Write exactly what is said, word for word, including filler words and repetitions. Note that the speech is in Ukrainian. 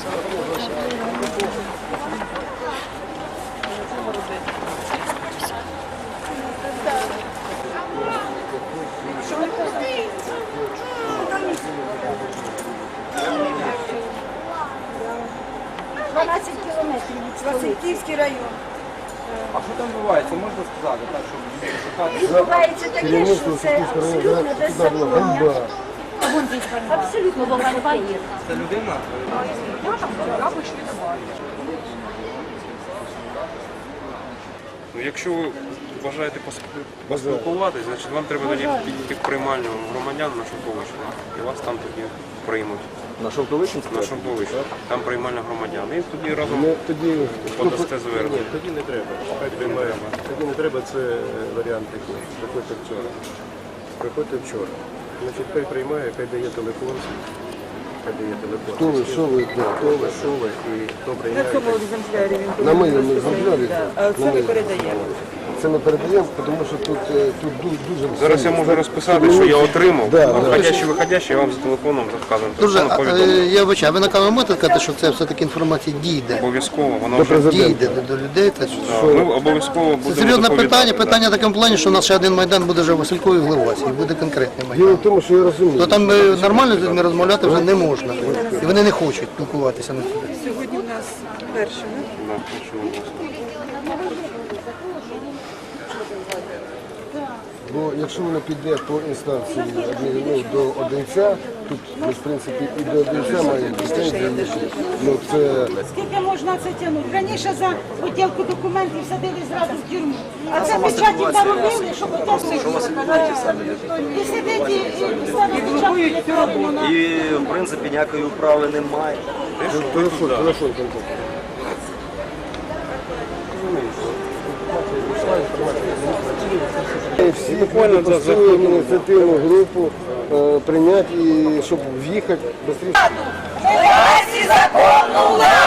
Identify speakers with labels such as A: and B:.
A: дванадцять кілометрів від
B: Васильківський район.
C: А що там відбувається, можна сказати, так, щоб шукати?
A: Відбувається таке, що це абсолютно беззаконня. Абсолютно ганьба є.
C: Це людина?
D: Ну, якщо ви бажаєте пос- поспілкуватись, значить вам треба тоді підійти в приймальню громадян на Шовковичну. І вас там тоді приймуть.
E: На Шовковичинську?
D: На Шовковичну. Там приймальня громадян. І тоді разом
E: Ну, тоді
D: подасте
E: Ні,
D: звернення.
E: тоді не треба. Хай приймаємо. Тоді не треба, це варіант такий. Приходьте вчора. Приходьте вчора. Значить, хай приймає, хай дає телефон. Хай дає телефон.
F: Хто ви, що ви, де?
E: Хто ви, що ви і хто
B: На
E: приймає.
B: цьому екземплярі він
F: На моєму екземплярі?
B: А це ми передаємо.
F: Це ми передаємо, тому що тут, е, тут ду- дуже...
D: Зараз я можу розписати, що я отримав.
F: Да,
D: А
F: да.
D: входящий, виходящий, я вам за телефоном заказую.
G: Дуже,
D: Телефоном
G: а, е,
D: повідомлю.
G: я вибачаю, ви на камеру можете сказати, що це все-таки інформація дійде?
D: Обов'язково, воно
F: До
D: вже
F: президента.
G: Дійде до людей. Це,
D: Да, ми обов'язково
G: це
D: будемо
G: серйозне
D: доповідати,
G: питання,
D: да.
G: питання в такому плані, що у нас ще один майдан буде вже в Василькові в Глевасі, і буде конкретний майдан.
F: Діло в тому, що я розумію.
G: То там е, нормально з людьми розмовляти вже не можна. І вони не хочуть спілкуватися на сюди.
B: Сьогодні в нас перше, не?
D: Да, що ви власне.
F: Бо якщо воно піде по інстанції адмі- ну, до одинця, тут, ну, в принципі, і до одинця має претензії. Ну, це...
H: Скільки можна це тягнути? Раніше за поділку документів садили зразу в тюрму. А це печаті заробили, що потягнули. І сидить, і і ставить печатку, і робимо на...
I: І, в принципі, ніякої управи немає.
F: Телефон, телефон контакту. Всі запустили ініціативну групу е, прийняти, і щоб в'їхати швидше.
B: Законну владу!